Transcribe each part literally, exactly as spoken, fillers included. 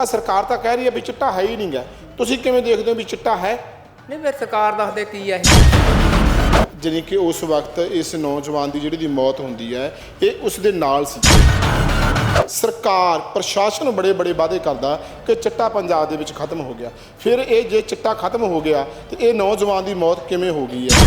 सरकार तो कह रही है भी चिट्टा है ही नहीं गा, तुसीं किवें देखदे हो भी चिट्टा है? नहीं फिर सरकार दसदे की है जानी कि उस वक्त इस नौजवान की जिहड़ी मौत होंदी है ये उस दे नाल सी। सरकार प्रशासन बड़े बड़े वादे करदा कि चिट्टा पंजाब दे विच खत्म हो गया, फिर ये जे चिट्टा खत्म हो गया तो ये नौजवान की मौत किवें हो गई है?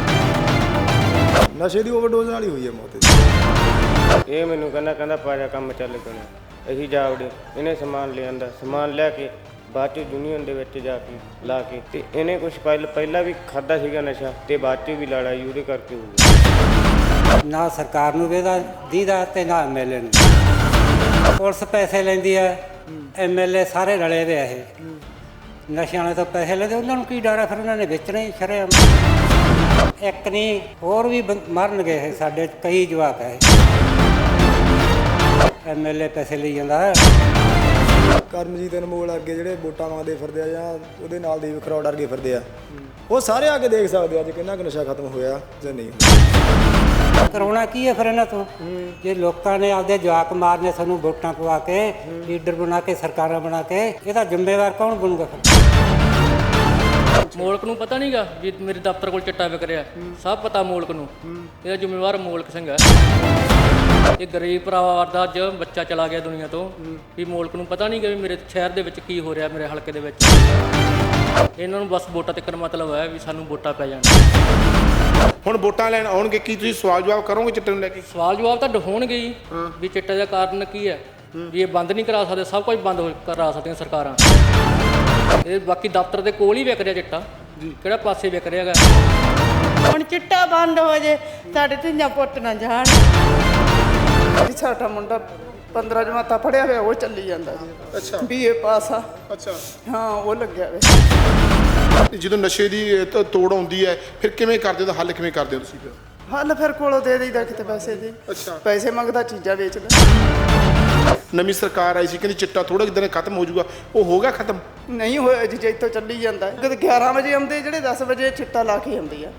नशे की ओवरडोज नाल ही हुई है मौत। ये मैनू कहना कहना पाजा काम चल कोने असीं जा वड़े इन्हें समान ले आंदा समान लिया बाद च यूनीअन दे विच जाके ला के ते इन्हें कुछ पहल पहला भी खादा सीगा नशा ते बाद च भी लड़ाई ਉਹਦੇ करके हो गई। ना सरकार ਨੂੰ ਵੇਦਾ ਦੀਦਾ ਤੇ ਨਾ ਐਮਐਲਏ ਨੂੰ ਪੁਲਿਸ ਪੈਸੇ ਲੈਂਦੀ ਹੈ, ਐਮਐਲਏ ਸਾਰੇ ਰਲੇ ਵੇ ਇਹ ਨਸ਼ਿਆਂ ਵਾਲੇ ਤੋਂ ਪੈਸੇ ਲੈਂਦੇ, ਉਹਨਾਂ ਨੂੰ ਕੀ ਡਰ ਹੈ, ਫਿਰ ਉਹਨਾਂ ਨੇ ਵੇਚਣਾ ਹੀ ਸ਼ਰੇਆਮ। ਇੱਕ ਨਹੀਂ ਹੋਰ ਵੀ ਮਰਨਗੇ ਇਹ ਸਾਡੇ ਕਈ ਜਵਾਕ ਹੈ, ਐਮਐਲਏ ਪੈਸੇ ਲਈ ਜਾਂਦਾ ਹੈ। ਕਰਮਜੀਤ ਅਨਮੋਲ ਅੱਗੇ ਜਿਹੜੇ ਵੋਟਾਂ ਮੰਗਦੇ ਫਿਰਦੇ ਆ ਜਾਂ ਉਹਦੇ ਨਾਲ ਦੇ ਖਰੌੜ ਵਰਗੇ ਫਿਰਦੇ ਆ, ਉਹ ਸਾਰੇ ਆ ਕੇ ਦੇਖ ਸਕਦੇ ਅੱਜ ਕਿੰਨਾ ਕੁ ਨਸ਼ਾ ਖਤਮ ਹੋਇਆ ਜਾਂ ਨਹੀਂ ਹੋਇਆ। ਕਰਾਉਣਾ ਕੀ ਹੈ ਫਿਰ ਇਹਨਾਂ ਤੋਂ? ਜੇ ਲੋਕਾਂ ਨੇ ਆਪਦੇ ਜਵਾਕ ਮਾਰਨੇ ਸਾਨੂੰ ਵੋਟਾਂ ਪਵਾ ਕੇ ਲੀਡਰ ਬਣਾ ਕੇ ਸਰਕਾਰਾਂ ਬਣਾ ਕੇ, ਇਹਦਾ ਜ਼ਿੰਮੇਵਾਰ ਕੌਣ ਬਣੂਗਾ ਫਿਰ? ਮੋਲਕ ਨੂੰ ਪਤਾ ਨਹੀਂਗਾ ਵੀ ਮੇਰੇ ਦਫ਼ਤਰ ਕੋਲ ਚਿੱਟਾ ਵਿਕ ਰਿਹਾ, ਸਭ ਪਤਾ ਮੋਲਕ ਨੂੰ, ਇਹਦਾ ਜ਼ਿੰਮੇਵਾਰ ਮੋਲਕ ਸਿੰਘ ਹੈ। ਇਹ ਗਰੀਬ ਪਰਿਵਾਰ ਦਾ ਅੱਜ ਬੱਚਾ ਚਲਾ ਗਿਆ ਦੁਨੀਆ ਤੋਂ, ਵੀ ਮੋਲਕ ਨੂੰ ਪਤਾ ਨਹੀਂ ਕਿ ਵੀ ਮੇਰੇ ਸ਼ਹਿਰ ਦੇ ਵਿੱਚ ਕੀ ਹੋ ਰਿਹਾ, ਮੇਰੇ ਹਲਕੇ ਦੇ ਵਿੱਚ। ਇਹਨਾਂ ਨੂੰ ਬਸ ਵੋਟਾਂ ਤੱਕ ਮਤਲਬ ਹੈ ਵੀ ਸਾਨੂੰ ਵੋਟਾਂ ਪੈ ਜਾਣ। ਹੁਣ ਵੋਟਾਂ ਲੈਣ ਆਉਣਗੇ, ਕੀ ਤੁਸੀਂ ਸਵਾਲ ਜਵਾਬ ਕਰੋਗੇ ਚਿੱਟੇ ਨੂੰ ਲੈ ਕੇ? ਸਵਾਲ ਜਵਾਬ ਤਾਂ ਹੋਣਗੇ ਹੀ ਵੀ ਚਿੱਟੇ ਦਾ ਕਾਰਨ ਕੀ ਹੈ, ਵੀ ਇਹ ਬੰਦ ਨਹੀਂ ਕਰਾ ਸਕਦੇ, ਸਭ ਕੁਝ ਬੰਦ ਹੋ ਕਰਾ ਸਕਦੀਆਂ ਸਰਕਾਰਾਂ। ਇਹ ਬਾਕੀ ਦਫ਼ਤਰ ਦੇ ਕੋਲ ਹੀ ਵਿਕ ਰਿਹਾ ਚਿੱਟਾ, ਕਿਹੜਾ ਪਾਸੇ ਵਿਕ ਰਿਹਾ ਹੈਗਾ। ਹੁਣ ਚਿੱਟਾ ਬੰਦ ਹੋ ਜੇ, ਸਾਡੇ ਧੀਆਂ ਪੁੱਤ ਨਾ ਜਾਣ। ਸਾਡਾ ਮੁੰਡਾ ਪੰਦਰਾਂ ਜਮਾਤਾਂ ਪੜ੍ਹਿਆ ਹੋਇਆ, ਉਹ ਚੱਲੀ ਜਾਂਦਾ ਜੀ। ਅੱਛਾ, ਬੀਏ ਪਾਸ ਆ। ਅੱਛਾ, ਹਾਂ ਉਹ ਲੱਗਿਆ ਹੋਇਆ। ਜਦੋਂ ਨਸ਼ੇ ਦੀ ਤ- ਤੋੜ ਆਉਂਦੀ ਹੈ ਫਿਰ ਕਿਵੇਂ ਕਰਦੇ ਹੋ, ਹੱਲ ਕਿਵੇਂ ਕਰਦੇ ਹੋ ਤੁਸੀਂ ਫਿਰ? ਹੱਲ ਫਿਰ ਕੋਲੋਂ ਦੇ ਦੇਈਦਾ ਕਿਤੇ ਪੈਸੇ ਦੀ। ਅੱਛਾ, ਪੈਸੇ ਮੰਗਦਾ ਚੀਜ਼ਾਂ ਵੇਚਦਾ। ਨਵੀਂ ਸਰਕਾਰ ਆਈ ਸੀ ਕਹਿੰਦੀ ਚਿੱਟਾ ਥੋੜੇ ਦਿਨ ਖਤਮ ਹੋ ਜਾਊਗਾ, ਉਹ ਹੋ ਗਿਆ ਖਤਮ? ਨਹੀਂ ਹੋਇਆ ਜੀ, ਜੇ ਇੱਥੋਂ ਚੱਲੀ ਜਾਂਦਾ। ਕਦੇ ਗਿਆਰਾਂ ਵਜੇ ਆਉਂਦੇ, ਜਿਹੜੇ ਦਸ ਵਜੇ ਚਿੱਟਾ ਲਾ ਕੇ ਆਉਂਦੀ ਆ।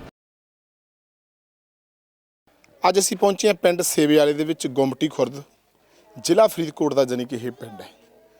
ਅੱਜ ਅਸੀਂ ਪਹੁੰਚੇ ਹਾਂ ਪਿੰਡ ਸੇਵੇ ਵਾਲੇ ਦੇ ਵਿੱਚ, ਗੁੰਮਟੀ ਖੁਰਦ, ਜ਼ਿਲ੍ਹਾ ਫਰੀਦਕੋਟ ਦਾ ਜਾਨੀ ਕਿ ਇਹ ਪਿੰਡ ਹੈ।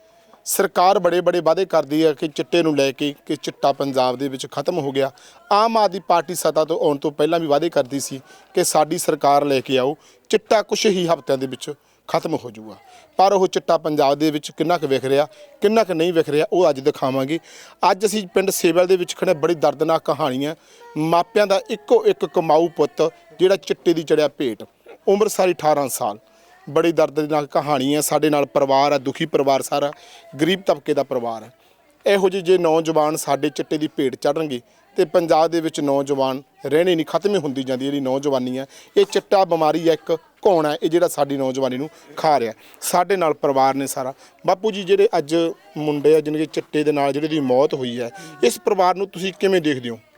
ਸਰਕਾਰ ਬੜੇ ਬੜੇ ਵਾਅਦੇ ਕਰਦੀ ਹੈ ਕਿ ਚਿੱਟੇ ਨੂੰ ਲੈ ਕੇ ਕਿ ਚਿੱਟਾ ਪੰਜਾਬ ਦੇ ਵਿੱਚ ਖਤਮ ਹੋ ਗਿਆ। ਆਮ ਆਦਮੀ ਪਾਰਟੀ ਸੱਤਾ ਤੋਂ ਆਉਣ ਤੋਂ ਪਹਿਲਾਂ ਵੀ ਵਾਅਦੇ ਕਰਦੀ ਸੀ ਕਿ ਸਾਡੀ ਸਰਕਾਰ ਲੈ ਕੇ ਆਓ, ਚਿੱਟਾ ਕੁਛ ਹੀ ਹਫ਼ਤਿਆਂ ਦੇ ਵਿੱਚ ਖਤਮ ਹੋ ਜਾਊਗਾ। ਪਰ ਉਹ ਚਿੱਟਾ ਪੰਜਾਬ ਦੇ ਵਿੱਚ ਕਿੰਨਾ ਕੁ ਵਿਖ ਰਿਹਾ, ਕਿੰਨਾ ਕੁ ਨਹੀਂ ਵਿਖ ਰਿਹਾ, ਉਹ ਅੱਜ ਦਿਖਾਵਾਂਗੇ। ਅੱਜ ਅਸੀਂ ਪਿੰਡ ਸੇਵਲ ਦੇ ਵਿੱਚ ਖੜੇ, ਬੜੀ ਦਰਦਨਾਕ ਕਹਾਣੀ ਹੈ। ਮਾਪਿਆਂ ਦਾ ਇੱਕੋ ਇੱਕ ਕਮਾਊ ਪੁੱਤ ਜਿਹੜਾ ਚਿੱਟੇ ਦੀ ਚੜਿਆ ਭੇਟ, ਉਮਰ ਸਾਰੀ ਅਠਾਰਾਂ ਸਾਲ। ਬੜੀ ਦਰਦਨਾਕ ਕਹਾਣੀ ਹੈ। ਸਾਡੇ ਨਾਲ ਪਰਿਵਾਰ ਹੈ, ਦੁਖੀ ਪਰਿਵਾਰ, ਸਾਰਾ ਗਰੀਬ ਤਬਕੇ ਦਾ ਪਰਿਵਾਰ ਹੈ। ਇਹੋ ਜਿਹੇ ਜੇ ਨੌਜਵਾਨ ਸਾਡੇ ਚਿੱਟੇ ਦੀ ਭੇਟ ਚੜ੍ਹਨਗੇ ਤੇ ਪੰਜਾਬ ਦੇ ਵਿੱਚ ਨੌਜਵਾਨ ਰਹਿਣੇ ਨਹੀਂ, ਖਤਮ ਹੀ ਹੁੰਦੀ ਜਾਂਦੀ ਜਿਹੜੀ ਨੌਜਵਾਨੀ ਹੈ। ਇਹ ਚਿੱਟਾ ਬਿਮਾਰੀ ਹੈ, ਇੱਕ ਕੌਣ ਹੈ ਇਹ ਜਿਹੜਾ ਸਾਡੀ ਨੌਜਵਾਨੀ ਨੂੰ ਖਾ ਰਿਹਾ। ਸਾਡੇ ਨਾਲ ਪਰਿਵਾਰ ਨੇ ਸਾਰਾ। ਬਾਪੂ ਜੀ, ਜਿਹੜੇ ਅੱਜ ਮੁੰਡੇ ਆ ਜਿਹਨਾਂ ਦੇ ਚਿੱਟੇ ਦੇ ਨਾਲ ਜਿਹੜੀ ਦੀ ਮੌਤ ਹੋਈ ਹੈ, ਇਸ ਪਰਿਵਾਰ ਨੂੰ ਤੁਸੀਂ ਕਿਵੇਂ ਦੇਖਦੇ ਹੋ?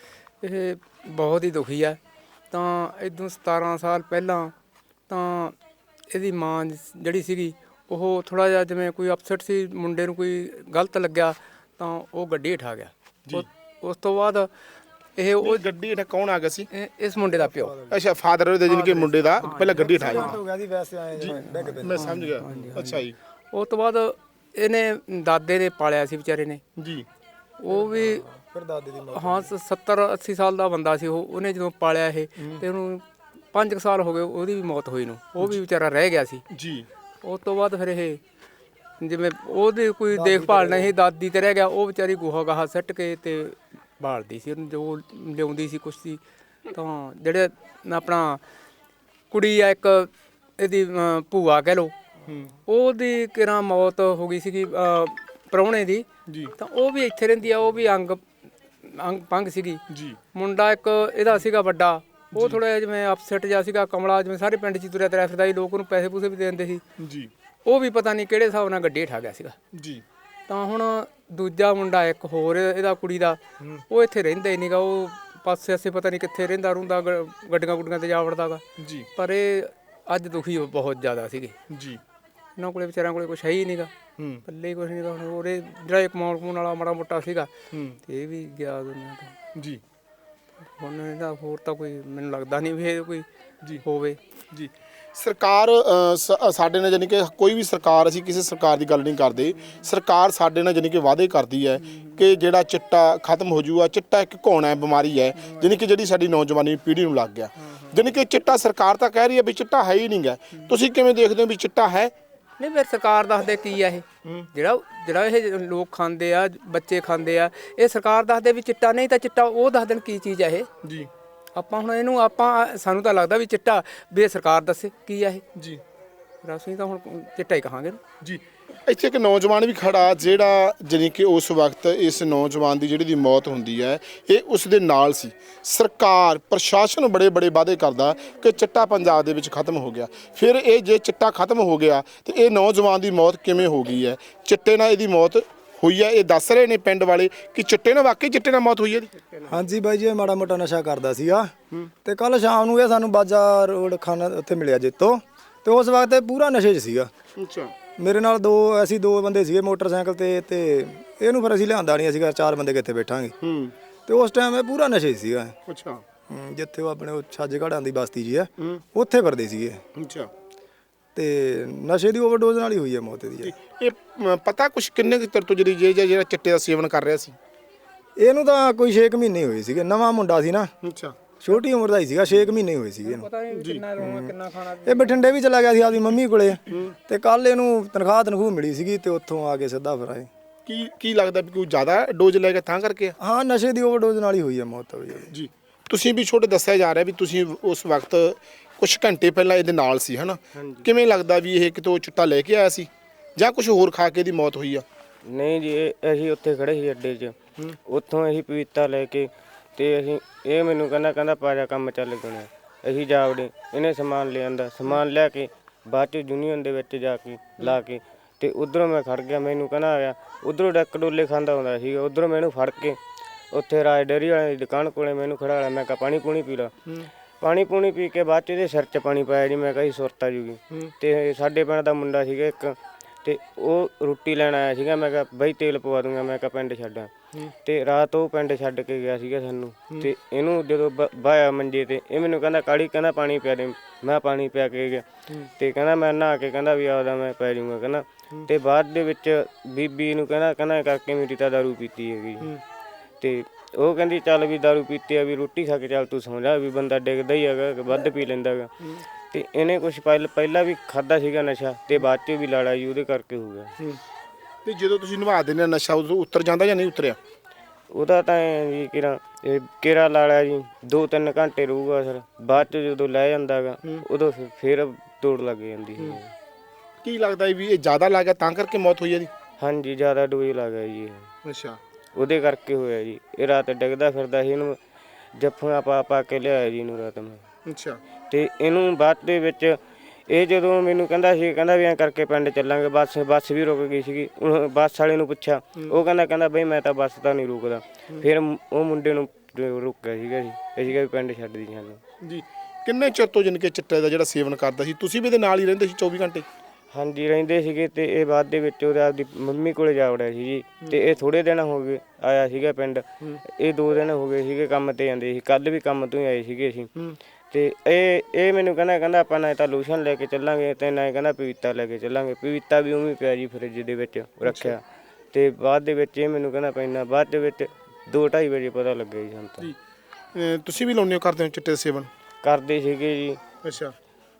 ਇਹ ਬਹੁਤ ਹੀ ਦੁਖੀ ਹੈ। ਤਾਂ ਇਦੋਂ ਸਤਾਰਾਂ ਸਾਲ ਪਹਿਲਾਂ ਤਾਂ ਇਹਦੀ ਮਾਂ ਜਿਹੜੀ ਸੀਗੀ ਉਹ ਥੋੜ੍ਹਾ ਜਿਹਾ ਜਿਵੇਂ ਕੋਈ ਅਪਸੈਟ ਸੀ, ਮੁੰਡੇ ਨੂੰ ਕੋਈ ਗਲਤ ਲੱਗਿਆ ਤਾਂ ਉਹ ਗੱਡੀ ਉਠਾ ਗਿਆ। ਉਸ ਤੋਂ ਬਾਅਦ ਇਹ ਉਹ ਗੱਡੀ ਹੇਠਾਂ ਕੌਣ ਆ ਗਿਆ ਸੀ? ਇਸ ਮੁੰਡੇ ਦਾ ਪਿਓ। ਅੱਛਾ, ਫਾਦਰ ਦੇ ਜਾਨੀ ਕਿ ਮੁੰਡੇ ਦਾ ਪਹਿਲਾਂ ਗੱਡੀ ਉਠਾਇਆ। ਹੋ ਗਿਆ ਜੀ ਵੈਸੇ ਆਏ ਡਿੱਗ ਪਏ। ਮੈਂ ਸਮਝ ਗਿਆ। ਅੱਛਾ ਜੀ। ਉਸ ਤੋਂ ਬਾਅਦ ਇਹਨੇ ਦਾਦੇ ਨੇ ਪਾਲਿਆ ਸੀ ਵਿਚਾਰੇ ਨੇ ਜੀ। ਉਹ ਵੀ ਫਿਰ ਦਾਦੇ ਦੀ ਮੌਤ। ਹਾਂ ਸੱਤਰ ਅੱਸੀ ਸਾਲ ਦਾ ਬੰਦਾ ਸੀ ਉਹ। ਉਹਨੇ ਜਦੋਂ ਪਾਲਿਆ ਇਹ ਤੇ ਉਹਨੂੰ ਪੰਜ ਕੁ ਸਾਲ ਹੋ ਗਏ ਉਹਦੀ ਵੀ ਮੌਤ ਹੋਈ ਨੂੰ, ਉਹ ਵੀ ਵਿਚਾਰਾ ਰਹਿ ਗਿਆ ਸੀ ਜੀ। ਉਸ ਤੋਂ ਬਾਅਦ ਫਿਰ ਇਹ ਜਿਵੇਂ ਉਹਦੀ ਕੋਈ ਦੇਖਭਾਲ ਨਹੀਂ, ਦਾਦੀ ਤੇ ਰਹਿ ਗਿਆ। ਉਹ ਵਿਚਾਰੀ ਗੋਹਾ ਗਾਹਾ ਸੁੱਟ ਕੇ ਤੇ ਬਾਲਦੀ ਸੀ ਉਹਨੂੰ, ਜੋ ਲਿਆਉਂਦੀ ਸੀ ਕੁਛ ਸੀ। ਤਾਂ ਜਿਹੜੇ ਆਪਣਾ ਕੁੜੀ ਆ ਇੱਕ ਇਹਦੀ ਭੂਆ ਕਹਿ ਲਓ, ਉਹਦੀ ਕਿਰਾਂ ਮੌਤ ਹੋ ਗਈ ਸੀਗੀ ਪ੍ਰਾਹੁਣੇ ਦੀ। ਤਾਂ ਉਹ ਵੀ ਇੱਥੇ ਰਹਿੰਦੀ ਆ, ਉਹ ਵੀ ਅੰਗ ਅੰਗ ਭੰਗ ਸੀਗੀ ਜੀ। ਮੁੰਡਾ ਇੱਕ ਇਹਦਾ ਸੀਗਾ ਵੱਡਾ, ਉਹ ਥੋੜ੍ਹਾ ਜਿਹਾ ਜਿਵੇਂ ਅਪਸੈਟ ਜਿਹਾ ਸੀਗਾ, ਕਮਲਾ, ਜਿਵੇਂ ਸਾਰੇ ਪਿੰਡ 'ਚ ਤੁਰਿਆ ਤੁਰਿਆ ਫਿਰਦਾ ਸੀ, ਲੋਕ ਉਹਨੂੰ ਪੈਸੇ ਪੂਸੇ ਵੀ ਦੇ ਦਿੰਦੇ ਸੀ ਜੀ। ਉਹ ਵੀ ਪਤਾ ਨਹੀਂ ਕਿਹੜੇ ਹਿਸਾਬ ਨਾਲ ਗੱਡੀ ਉਠਾ ਗਿਆ ਸੀਗਾ ਜੀ। ਤਾਂ ਹੁਣ ਦੂਜਾ ਮੁੰਡਾ ਇੱਕ ਹੋਰ ਇਹਦਾ ਕੁੜੀ ਦਾ, ਉਹ ਇੱਥੇ ਰਹਿੰਦਾ ਹੀ ਨਹੀਂਗਾ, ਉਹ ਪਾਸੇ ਆਸੇ ਪਤਾ ਨਹੀਂ ਕਿੱਥੇ ਰਹਿੰਦਾ ਰੁੰਦਾ, ਗੱਡੀਆਂ ਗੁੱਡੀਆਂ 'ਤੇ ਜਾ ਵੜਦਾ ਗਾ ਜੀ। ਪਰ ਇਹ ਅੱਜ ਦੁਖੀ ਬਹੁਤ ਜ਼ਿਆਦਾ ਸੀਗੇ ਜੀ। ਇਹਨਾਂ ਕੋਲੇ ਵਿਚਾਰਿਆਂ ਕੋਲੇ ਕੁਛ ਹੈ ਹੀ ਨਹੀਂਗਾ, ਪੱਲੇ ਕੁਛ ਨਹੀਂ ਗਾ। ਹੁਣ ਉਹਦੇ ਜਿਹੜਾ ਇੱਕ ਕਮਾਉਣ ਕਮਾਉਣ ਵਾਲਾ ਮਾੜਾ ਮੋਟਾ ਸੀਗਾ ਤੇ ਇਹ ਵੀ ਗਿਆ ਦੁਨੀਆ ਤੋਂ ਜੀ। ਹੁਣ ਇਹਦਾ ਹੋਰ ਤਾਂ ਕੋਈ ਮੈਨੂੰ ਲੱਗਦਾ ਨਹੀਂ ਵੀ ਇਹ ਕੋਈ ਜੀ ਹੋਵੇ ਜੀ। ਸਰਕਾਰ ਅ, ਸ- ਸਾਡੇ ਨਾਲ ਜਾਨੀ ਕਿ ਕੋਈ ਵੀ ਸਰਕਾਰ, ਅਸੀਂ ਕਿਸੇ ਸਰਕਾਰ ਦੀ ਗੱਲ ਨਹੀਂ ਕਰਦੇ, ਸਰਕਾਰ ਸਾਡੇ ਨਾਲ ਜਾਨੀ ਕਿ ਵਾਅਦੇ ਕਰਦੀ ਹੈ ਕਿ ਜਿਹੜਾ ਚਿੱਟਾ ਖਤਮ ਹੋ ਜਾਊਗਾ। ਚਿੱਟਾ ਇੱਕ ਘੋਣਾ ਹੈ, ਬਿਮਾਰੀ ਹੈ ਜਾਨੀ ਕਿ ਜਿਹੜੀ ਸਾਡੀ ਨੌਜਵਾਨੀ ਪੀੜ੍ਹੀ ਨੂੰ ਲੱਗ ਗਿਆ। ਜਾਨੀ ਕਿ ਚਿੱਟਾ ਸਰਕਾਰ ਤਾਂ ਕਹਿ ਰਹੀ ਹੈ ਵੀ ਚਿੱਟਾ ਹੈ ਹੀ ਨਹੀਂ ਗਾ, ਤੁਸੀਂ ਕਿਵੇਂ ਦੇਖਦੇ ਹੋ ਵੀ ਚਿੱਟਾ ਹੈ? ਨਹੀਂ ਫਿਰ ਸਰਕਾਰ ਦੱਸਦੇ ਕੀ ਆ ਇਹ ਜਿਹੜਾ ਜਿਹੜਾ ਇਹ ਲੋਕ ਖਾਂਦੇ ਆ, ਬੱਚੇ ਖਾਂਦੇ ਆ, ਇਹ ਸਰਕਾਰ ਦੱਸਦੇ ਵੀ ਚਿੱਟਾ ਨਹੀਂ ਤਾਂ ਚਿੱਟਾ ਉਹ ਦੱਸ ਦੇਣ ਕੀ ਚੀਜ਼ ਆ ਇਹ ਜੀ ਆਪਾਂ ਹੁਣ ਇਹਨੂੰ ਆਪਾਂ ਸਾਨੂੰ ਤਾਂ ਲੱਗਦਾ ਵੀ ਚਿੱਟਾ ਵੀ ਇਹ ਸਰਕਾਰ ਦੱਸੇ ਕੀ ਆ ਇਹ ਜੀ ਅਸੀਂ ਤਾਂ ਹੁਣ ਚਿੱਟਾ ਹੀ ਕਹਾਂਗੇ ਜੀ। ਇੱਥੇ ਇੱਕ ਨੌਜਵਾਨ ਵੀ ਖੜਾ ਜਿਹੜਾ ਜਾਣੀ ਕਿ ਉਸ ਵਕਤ ਇਸ ਨੌਜਵਾਨ ਦੀ ਜਿਹੜੀ ਦੀ ਮੌਤ ਹੁੰਦੀ ਹੈ ਇਹ ਉਸ ਦੇ ਨਾਲ ਸੀ। ਸਰਕਾਰ ਪ੍ਰਸ਼ਾਸਨ ਬੜੇ ਬੜੇ ਵਾਅਦੇ ਕਰਦਾ ਕਿ ਚਿੱਟਾ ਪੰਜਾਬ ਦੇ ਵਿੱਚ ਖਤਮ ਹੋ ਗਿਆ। ਫਿਰ ਇਹ ਜੇ ਚਿੱਟਾ ਖਤਮ ਹੋ ਗਿਆ ਤੇ ਇਹ ਨੌਜਵਾਨ ਦੀ ਮੌਤ ਕਿਵੇਂ ਹੋ ਗਈ ਹੈ? ਚਿੱਟੇ ਨਾਲ ਇਹਦੀ ਮੌਤ ਹੋਈ ਹੈ, ਇਹ ਦੱਸ ਰਹੇ ਨੇ ਪਿੰਡ ਵਾਲੇ ਕਿ ਚਿੱਟੇ ਨਾਲ ਵਾਕਈ ਚਿੱਟੇ ਨਾਲ ਮੌਤ ਹੋਈ ਹੈ ਇਹਦੀ। ਹਾਂਜੀ ਬਾਈ ਜੀ, ਇਹ ਮਾੜਾ ਮੋਟਾ ਨਸ਼ਾ ਕਰਦਾ ਸੀਗਾ ਤੇ ਕੱਲ ਸ਼ਾਮ ਨੂੰ ਇਹ ਸਾਨੂੰ ਬਾਜਾ ਰੋਡ ਖਾਨਾ ਉੱਥੇ ਮਿਲਿਆ ਜੇਤੋ, ਤੇ ਉਸ ਵਕਤ ਇਹ ਪੂਰਾ ਨਸ਼ੇ 'ਚ ਸੀਗਾ। ਅੱਛਾ। ਮੇਰੇ ਨਾਲ ਦੋ ਅਸੀਂ ਦੋ ਬੰਦੇ ਸੀਗੇ ਮੋਟਰਸਾਈਕਲ ਤੇ ਤੇ ਇਹਨੂੰ ਫਿਰ ਅਸੀਂ ਲਿਆਂਦਾ ਨਹੀਂ ਸੀਗਾ, ਚਾਰ ਬੰਦੇ ਕਿੱਥੇ ਬੈਠਾਂਗੇ। ਹੂੰ। ਤੇ ਉਸ ਟਾਈਮ ਇਹ ਪੂਰਾ ਨਸ਼ੇ 'ਚ ਸੀਗਾ। ਅੱਛਾ। ਹੂੰ, ਜਿੱਥੇ ਉਹ ਆਪਣੇ ਉਹ ਛੱਜ ਘੜਾਂ ਦੀ ਬਸਤੀ ਜੀ ਆ ਉੱਥੇ ਫਿਰਦੇ ਸੀਗੇ। ਅੱਛਾ। ਤੇ ਨਸ਼ੇ ਦੀ ਓਵਰਡੋਜ਼ ਨਾਲ ਹੀ ਹੋਈ ਹੈ ਮੌਤ ਇਹਦੀ। ਇਹ ਅ, ਪਤਾ ਕੁਛ ਕਿੰਨੇ ਕੁ ਚਿਰ ਤੋਂ ਜਿਹੜੀ ਜੇ ਜਿਹੜਾ ਚਿੱਟੇ ਦਾ ਸੇਵਨ ਕਰ ਰਿਹਾ ਸੀ? ਇਹਨੂੰ ਤਾਂ ਕੋਈ ਛੇ ਕੁ ਮਹੀਨੇ ਹੋਏ ਸੀਗੇ, ਨਵਾਂ ਮੁੰਡਾ ਸੀ ਨਾ, ਅੱਛਾ। ਛੋਟੀ ਉਮਰ ਦਾ ਹੀ ਸੀਗਾ, ਛੇ ਕੁ ਮਹੀਨੇ ਹੋਏ ਸੀਗੇ ਇਹਨੂੰ। ਪਤਾ ਨਹੀਂ ਕਿੰਨਾ ਰੋਣਾ ਕਿੰਨਾ ਖਾਣਾ। ਇਹ ਬਠਿੰਡੇ ਵੀ ਚਲਾ ਗਿਆ ਸੀ ਆਪਦੀ ਮੰਮੀ ਕੋਲੇ ਤੇ ਕੱਲ ਇਹਨੂੰ ਤਨਖਾਹ ਤਨਖੂਹ ਮਿਲੀ ਸੀਗੀ ਤੇ ਉੱਥੋਂ ਆ ਕੇ ਸਿੱਧਾ ਫਿਰ ਆਏ। ਕੀ ਕੀ ਲੱਗਦਾ ਵੀ ਕੋਈ ਜ਼ਿਆਦਾ ਡੋਜ਼ ਲੈ ਕੇ ਤਾਂ ਕਰਕੇ ਆ? ਹਾਂ, ਨਸ਼ੇ ਦੀ ਓਵਰਡੋਜ਼ ਨਾਲ ਹੀ ਹੋਈ ਹੈ ਮੌਤ ਹੋਈ ਹੈ ਜੀ। ਤੁਸੀਂ ਵੀ ਛੋਟੇ ਦੱਸਿਆ ਜਾ ਰਿਹਾ ਵੀ ਤੁਸੀਂ ਉਸ ਵਕਤ ਕੁਝ ਘੰਟੇ ਪਹਿਲਾਂ ਇਹਦੇ ਨਾਲ ਸੀ ਹਨਾ? ਕਿਵੇਂ ਲੱਗਦਾ ਵੀ ਇਹ ਕਿਤੋਂ ਚਿੱਟਾ ਲੈ ਕੇ ਆਇਆ ਸੀ ਜਾਂ ਕੁਝ ਹੋਰ ਖਾ ਕੇ ਇਹਦੀ ਮੌਤ ਹੋਈ ਆ? ਨਹੀਂ ਜੀ, ਇਹ- ਅਸੀਂ ਉੱਥੇ ਖੜੇ ਸੀ ਅੱਡੇ 'ਚ, ਉੱਥੋਂ ਅਸੀਂ ਪਪੀਤਾ ਲੈ ਕੇ ਤੇ ਅਸੀਂ ਇਹ ਮੈਨੂੰ ਕਹਿੰਦਾ ਕਹਿੰਦਾ ਪਾ ਜਾ ਕੰਮ ਚੱਲ ਗਏ। ਅਸੀਂ ਜਾ ਵੜੇ, ਇਹਨੇ ਸਮਾਨ ਲਿਆਂਦਾ, ਸਮਾਨ ਲਿਆ ਕੇ ਬਾਅਦ 'ਚ ਯੂਨੀਅਨ ਦੇ ਵਿੱਚ ਜਾ ਕੇ ਲਾ ਕੇ ਤੇ ਉਧਰੋਂ ਮੈਂ ਖੜ ਗਿਆ। ਮੈਨੂੰ ਕਹਿੰਦਾ ਆਇਆ, ਉਧਰੋਂ ਡੱਕ ਡੋਲੇ ਖਾਂਦਾ ਹੁੰਦਾ ਸੀ, ਉਧਰੋਂ ਮੈਨੂੰ ਫੜ ਕੇ ਉੱਥੇ ਰਾਜ ਡੇਅਰੀ ਵਾਲੇ ਦੀ ਦੁਕਾਨ ਕੋਲੇ ਮੈਨੂੰ ਖੜਾ ਲਿਆ। ਮੈਂ ਕਿਹਾ ਪਾਣੀ ਪੂਣੀ ਪੀ ਲਾ। ਪਾਣੀ ਪੂਣੀ ਪੀ ਕੇ ਬਾਅਦ 'ਚ ਇਹਦੇ ਸਿਰ 'ਚ ਪਾਣੀ ਪਾਇਆ ਜੀ। ਮੈਂ ਕਿਹਾ ਜੀ ਸੁਰਤ ਆ ਜੂਗੀ। ਤੇ ਸਾਡੇ ਪਿੰਡ ਦਾ ਮੁੰਡਾ ਸੀਗਾ ਇੱਕ, ਤੇ ਉਹ ਰੋਟੀ ਲੈਣ ਆਇਆ ਸੀਗਾ। ਮੈਂ ਕਿਹਾ ਬਈ ਤੇਲ ਪਵਾ ਦੂੰਗਾ, ਮੈਂ ਕਿਹਾ ਪਿੰਡ ਛੱਡਾਂ। ਤੇ ਰਾਤ ਉਹ ਪਿੰਡ ਛੱਡ ਕੇ ਗਿਆ ਸੀਗਾ ਸਾਨੂੰ। ਤੇ ਇਹਨੂੰ ਜਦੋਂ ਬਾਇਆ ਮੰਜੇ ਤੇ, ਇਹ ਮੈਨੂੰ ਕਹਿੰਦਾ ਕਾਲੀ ਕਹਿੰਦਾ ਪਾਣੀ ਪਿਆ ਦੇ। ਮੈਂ ਪਾਣੀ ਪਿਆ ਕੇ ਗਿਆ ਤੇ ਕਹਿੰਦਾ ਮੈਂ ਨਹਾ ਕੇ ਕਹਿੰਦਾ ਵੀ ਆਦਾ ਮੈਂ ਪੈ ਜਾਊਂਗਾ ਕਹਿੰਦਾ। ਤੇ ਬਾਅਦ ਦੇ ਵਿੱਚ ਬੀਬੀ ਨੂੰ ਕਹਿੰਦਾ ਕਹਿੰਦਾ ਕਰਕੇ ਮੇਰੀ ਤਾਂ ਦਾਰੂ ਪੀਤੀ ਹੈਗੀ। ਤੇ ਉਹ ਕਹਿੰਦੀ ਚੱਲ ਵੀ ਦਾਰੂ ਪੀਤੀ ਆ ਵੀ ਰੋਟੀ ਖਾ ਕੇ ਚੱਲ ਤੂੰ ਸੌਂ ਜਾ, ਵੀ ਬੰਦਾ ਡਿੱਗਦਾ ਹੀ ਹੈਗਾ, ਵੱਧ ਪੀ ਲੈਂਦਾ ਗਾ। ਤੇ ਇਹਨੇ ਕੁਛ ਪਹਿਲ ਪਹਿਲਾਂ ਵੀ ਖਾਦਾ ਸੀਗਾ ਨਸ਼ਾ ਤੇ ਬਾਅਦ 'ਚ ਵੀ ਲਾੜਾ ਜੀ ਉਹਦੇ ਕਰਕੇ ਹੋ ਗਿਆ। ਤੇ ਜਦੋਂ ਤੁਸੀਂ ਨਿਭਾ ਦਿੰਦੇ ਨਸ਼ਾ ਉਦੋਂ ਉਤਰ ਜਾਂਦਾ ਜਾਂ ਨਹੀਂ ਉਤਰਿਆ? ਉਹਦਾ ਤਾਂ ਐਂ ਜੀ ਕਿਰਾ ਇਹ ਕਿਰਾ ਲਾਲਾ ਜੀ ਦੋ ਤਿੰਨ ਘੰਟੇ ਰਹੂਗਾ ਸਰ, ਬਾਅਦ 'ਚ ਜਦੋਂ ਲੈ ਜਾਂਦਾ ਗਾ ਉਦੋਂ ਫਿਰ- ਫਿਰ ਦੌੜ ਲੱਗ ਜਾਂਦੀ ਸੀ। ਕੀ ਲੱਗਦਾ ਵੀ ਇਹ ਜ਼ਿਆਦਾ ਲੱਗ ਗਿਆ ਤਾਂ ਕਰਕੇ ਮੌਤ ਹੋਈ ਇਹਦੀ? ਹਾਂਜੀ, ਜ਼ਿਆਦਾ ਡੋਜ਼ ਲੱਗ ਗਿਆ ਜੀ ਇਹ, ਅੱਛਾ। ਉਹਦੇ ਕਰਕੇ ਹੋਇਆ ਜੀ। ਇਹ ਰਾਤ ਡਿੱਗਦਾ ਫਿਰਦਾ ਸੀ, ਇਹਨੂੰ ਜੱਫੀਆਂ ਪਾ ਪਾ ਕੇ ਲਿਆਇਆ ਜੀ ਇਹਨੂੰ ਰਾਤ ਮੈਂ। ਅੱਛਾ। ਤੇ ਇਹਨੂੰ ਬਾਅਦ ਦੇ ਵਿੱਚ ਇਹ ਜਦੋਂ ਮੈਨੂੰ ਕਹਿੰਦਾ ਸੀ ਕਹਿੰਦਾ ਵੀ ਐਂ ਕਰਕੇ ਪਿੰਡ ਚੱਲਾਂਗੇ, ਬੱਸ ਬੱਸ ਵੀ ਰੁਕ ਗਈ ਸੀਗੀ। ਉਹ ਬੱਸ ਵਾਲੇ ਨੂੰ ਪੁੱਛਿਆ, ਉਹ ਕਹਿੰਦਾ ਕਹਿੰਦਾ ਬਈ ਮੈਂ ਤਾਂ ਬੱਸ ਤਾਂ ਨਹੀਂ ਰੁਕਦਾ। ਫਿਰ ਉਹ ਮੁੰਡੇ ਨੂੰ ਰੁਕਿਆ ਸੀਗਾ ਜੀ, ਅਸੀਂ ਕਿਹਾ ਵੀ ਪਿੰਡ ਛੱਡ ਦੀ ਸਾਨੂੰ। ਜੀ। ਕਿੰਨੇ ਚਿਰ ਤੋਂ ਜਾਣੀ ਕਿ ਚਿੱਟੇ ਦਾ ਜਿਹੜਾ ਸੇਵਨ ਕਰਦਾ ਸੀ? ਤੁਸੀਂ ਵੀ ਇਹਦੇ ਨਾਲ ਹੀ ਰਹਿੰਦੇ ਸੀ ਚੌਵੀ ਘੰਟੇ? ਹਾਂਜੀ, ਰਹਿੰਦੇ ਸੀਗੇ। ਤੇ ਇਹ ਬਾਅਦ ਦੇ ਵਿੱਚ ਉਹਦੇ ਆਪਦੀ ਮੰਮੀ ਕੋਲੇ ਜਾ ਵੜਿਆ ਸੀ ਜੀ। ਤੇ ਇਹ ਥੋੜੇ ਦਿਨ ਹੋ ਗਏ ਆਇਆ ਸੀਗਾ ਪਿੰਡ। ਇਹ ਦੋ ਦਿਨ ਹੋ ਗਏ ਸੀਗੇ ਕੰਮ ਤੇ ਜਾਂਦੇ ਸੀ, ਕੱਲ ਵੀ ਕੰਮ ਤੋਂ ਹੀ ਆਏ ਸੀਗੇ ਅਸੀਂ। ਤੇ ਇਹ ਇਹ ਮੈਨੂੰ ਕਹਿੰਦਾ ਕਹਿੰਦਾ ਆਪਾਂ ਨਾ ਤਾਂ ਲੋਸ਼ਨ ਲੈ ਕੇ ਚੱਲਾਂਗੇ ਤੇ ਨਾ ਕਹਿੰਦਾ ਪਪੀਤਾ ਲੈ ਕੇ ਚੱਲਾਂਗੇ। ਪਪੀਤਾ ਵੀ ਉਵੇਂ ਪਿਆ ਜੀ ਫਰਿੱਜ ਦੇ ਵਿੱਚ ਰੱਖਿਆ। ਤੇ ਬਾਅਦ ਦੇ ਵਿੱਚ ਇਹ ਮੈਨੂੰ ਕਹਿੰਦਾ ਪੈਣਾ, ਬਾਅਦ ਦੇ ਵਿੱਚ ਦੋ ਢਾਈ ਵਜੇ ਪਤਾ ਲੱਗਿਆ ਜੀ ਸਾਨੂੰ ਤਾਂ। ਜੀ। ਤੁਸੀਂ ਵੀ ਲਾਉਂਦੇ ਹੋ, ਕਰਦੇ ਹੋ ਚਿੱਟੇ ਦਾ ਸੇਵਨ? ਕਰਦੇ ਸੀਗੇ ਜੀ, ਅੱਛਾ।